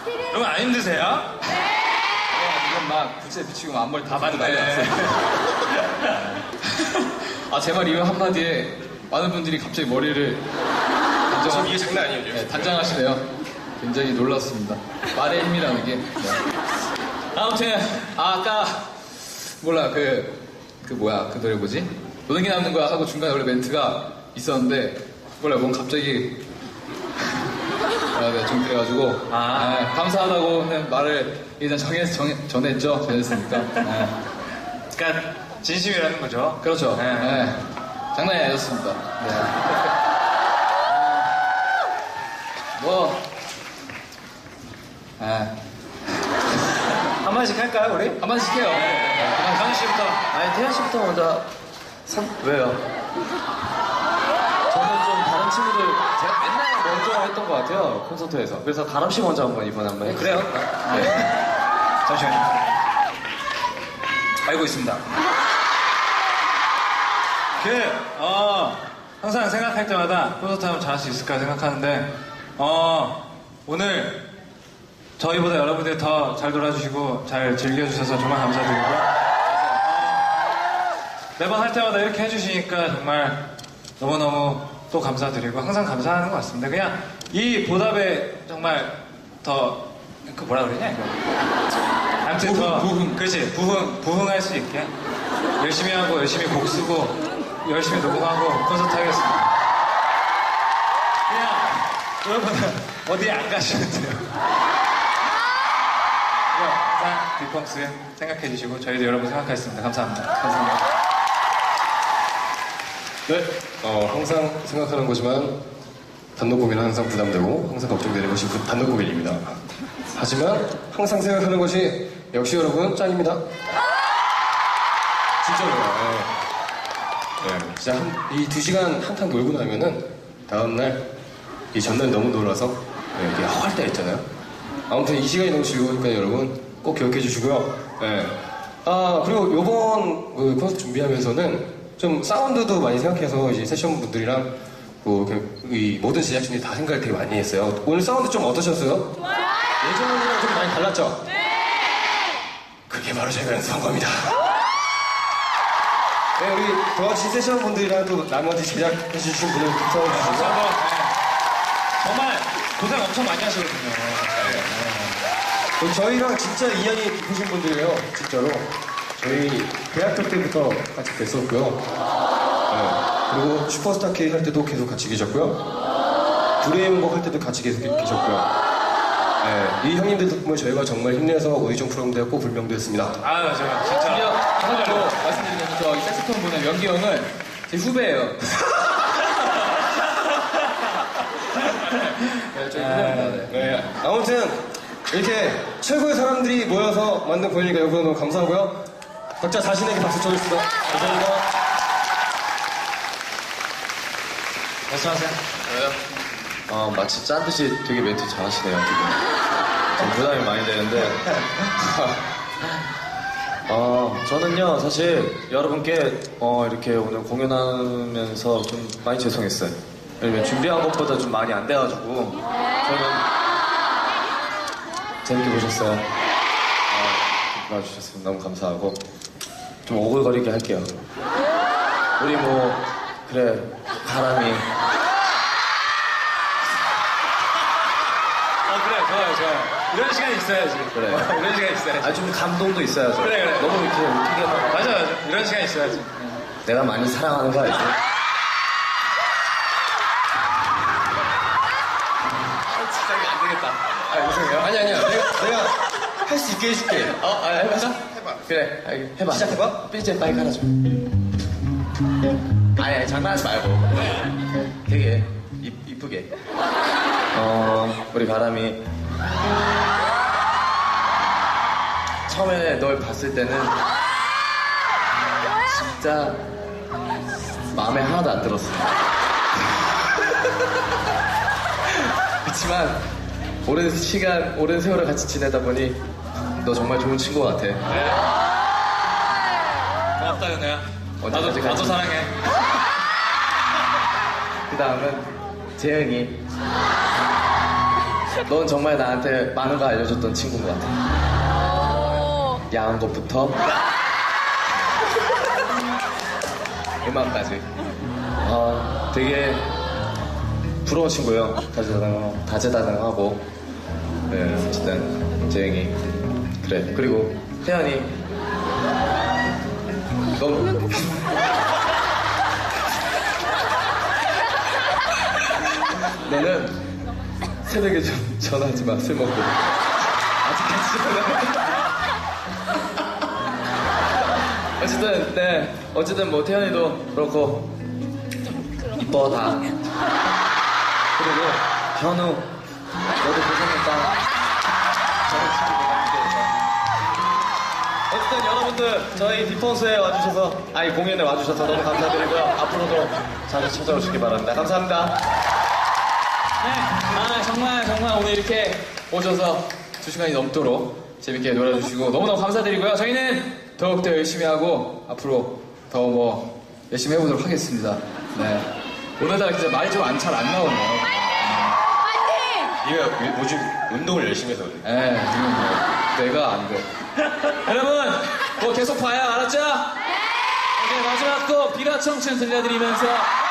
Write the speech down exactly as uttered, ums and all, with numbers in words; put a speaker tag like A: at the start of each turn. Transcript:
A: 여러분 안 힘드세요?
B: 지금 막 부채 비치고 앞머리 다 맞고 난리 났어요. 아, 제 말 이후 한마디에 많은 분들이 갑자기 머리를 단정,
A: 지금 이게 장난 아니에요.
B: 네, 단장하시네요. 굉장히 놀랐습니다. 말의 힘이라는 게. 네. 아무튼 아, 아까 몰라 그 그 뭐야 그 노래 뭐지? 노는 게 남는 거야 하고 중간에 원래 멘트가 있었는데 몰라 뭔 갑자기 아, 네, 좀 그래가지고
A: 아.
B: 네, 감사하다고는 말을 일단 정해, 정해, 전했죠. 전했으니까. 네.
A: 그러니까 진심이라는 거죠.
B: 그렇죠.
A: 네.
B: 네. 장난이 아니었습니다. 네. 뭐, 네.
A: 한 마디씩 할까요, 우리?
B: 한 마디씩 해요. 네.
A: 강희 씨부터.
C: 아니 태현 씨부터 먼저 선... 왜요? 저는 좀 다른 친구들 제가 맨날 먼저 했던 것 같아요 콘서트에서. 그래서 가람 씨 먼저 한번 이번에 한번 해주세요.
A: 그래요?
C: 네.
A: 잠시만요. 알고 있습니다. 그, 어, 항상 생각할 때마다 콘서트 하면 잘할 수 있을까 생각하는데, 어, 오늘 저희보다 여러분들이 더 잘 놀아주시고 잘 즐겨주셔서 정말 감사드리고요. 어, 매번 할 때마다 이렇게 해주시니까 정말 너무너무 또 감사드리고 항상 감사하는 것 같습니다. 그냥 이 보답에 정말 더, 그 뭐라 그러냐, 이거. 아무튼
B: 부흥,
A: 더,
B: 부흥.
A: 그렇지, 부흥, 부흥할 수 있게 열심히 하고 열심히 곡 쓰고 열심히 녹음하고 콘서트 하겠습니다. 그냥 여러분은 어디에 안 가시면 돼요. 항상 빅펑스 생각해 주시고 저희도 여러분 생각하겠습니다. 감사합니다.
B: 감사합니다.
D: 네, 어, 항상 생각하는 거지만 단독 공연은 항상 부담되고 항상 걱정되는 것이 그 단독 공연입니다. 하지만 항상 생각하는 것이 역시 여러분 짱입니다. 진짜로요. 네. 네, 진짜 이 두 시간 한탕 놀고 나면은 다음날 이 전날 너무 놀아서 네, 이게 허할 때 있잖아요. 아무튼 이 시간이 너무 즐거우니까 여러분 꼭 기억해 주시고요. 네. 아 그리고 요번 그 콘서트 준비하면서는 좀 사운드도 많이 생각해서 이제 세션 분들이랑 뭐 이 모든 제작진들이 다 생각을 되게 많이 했어요. 오늘 사운드 좀 어떠셨어요? 예전이랑 좀 많이 달랐죠? 네. 그게 바로 저희가 연습한 겁니다. 네, 우리 도와주신 세션 분들이랑 또 나머지 제작해 주신 분들 감사합니다.
A: 네. 정말 고생 엄청 많이 하시거든요.
D: 네. 저희랑 진짜 인연이 깊으신 분들이에요, 진짜로. 저희 대학교 때부터 같이 뵀었고요. 네. 그리고 슈퍼스타 K 할 때도 계속 같이 계셨고요. 브레인곡 할 때도 같이 계속 계셨고요. 네. 이 형님들 덕분에 저희가 정말 힘내서 오디션 프로그램 꼭 불명되었습니다.
A: 아, 제가
B: 심지어
A: 진짜.
B: 하나로 말씀드리면 저이 색소폰 분의 명기 형은 제 후배예요. 네, 저희 후배입니다. 네.
D: 네. 아무튼 이렇게 최고의 사람들이 모여서 만든 공연이니까 여러분 너무 감사하고요. 각자 자신에게 박수 쳐주십시다. 감사합니다.
A: 말씀하세요.
C: 어, 마치 짠 듯이 되게 멘트 잘하시네요 지금. 좀 부담이 많이 되는데 어, 저는요 사실 여러분께 어, 이렇게 오늘 공연하면서 좀 많이 죄송했어요. 왜냐면 준비한 것보다 좀 많이 안 돼가지고 저는 재밌게 보셨어요. 어, 봐주셨으면 너무 감사하고 좀 오글거리게 할게요. 우리 뭐 그래 바람이
A: 어, 그래, 좋아요, 좋아요. 이런 시간이 있어야지.
C: 그래.
A: 어, 이런 시간이 있어야지.
C: 아 좀 감동도 있어야죠.
A: 그래, 그래.
C: 너무 이렇게 어떻게 막
A: 맞아, 맞아. 이런 시간이 있어야지.
C: 내가 많이 사랑하는 거 알지?
B: 진짜 이거 안 되겠다.
A: 아, 죄송해요.
D: 아니 아니야. 내가 내가 할 수 있게 해줄게.
C: 어, 아, 해봐. 해봐. 그래, 알겠- 해봐.
D: 시작해봐.
C: 삐제 빨리 깔아줘. 아니, 아니, 장난하지 말고. 되게 이, 이쁘게. 어, 우리 바람이. 처음에 널 봤을 때는 진짜 마음에 하나도 안 들었어. 그렇지만 오랜 시간, 오랜 세월을 같이 지내다 보니 너 정말 좋은 친구 같아.
A: 고맙다, 연애야. 나도,
C: 언제까지
A: 나도
C: 같이-
A: 사랑해.
C: 그 다음은 재영이. 넌 정말 나한테 많은 거 알려줬던 친구인 것 같아. 야한 것부터 음악까지. 아, 되게 부러운 친구예요. 다재다능, 다재다능하고. 네, 어쨌든 재영이 그래. 그리고 태연이 너무 너는 새벽에 좀 전화하지 마. 술 먹고. 아직까지 전화. 어쨌든 네 어쨌든 뭐 태연이도 그렇고 이뻐 다. 그리고 현우 너도 고생했다. 저는 친구 너무 기대해서. 어쨌든 여러분들 저희 디펑스에 와주셔서 아니 공연에 와주셔서 너무 감사드리고요. 앞으로도 자주 찾아오시기 바랍니다. 감사합니다.
B: 네, 아 정말 정말 오늘 이렇게 오셔서 두 시간이 넘도록 재밌게 놀아주시고 너무너무 감사드리고요. 저희는 더욱더 열심히 하고 앞으로 더 뭐 열심히 해보도록 하겠습니다. 네, 오늘따라 진짜 말이 좀 잘 안 나오네요.
D: 네가 요즘 운동을 열심히 해서 그래.
B: 네, 지금 뭐 뇌가 안 돼. 여러분, 뭐 계속 봐요, 알았죠? 네. 오케이, 마지막 곡 비가 청춘 들려드리면서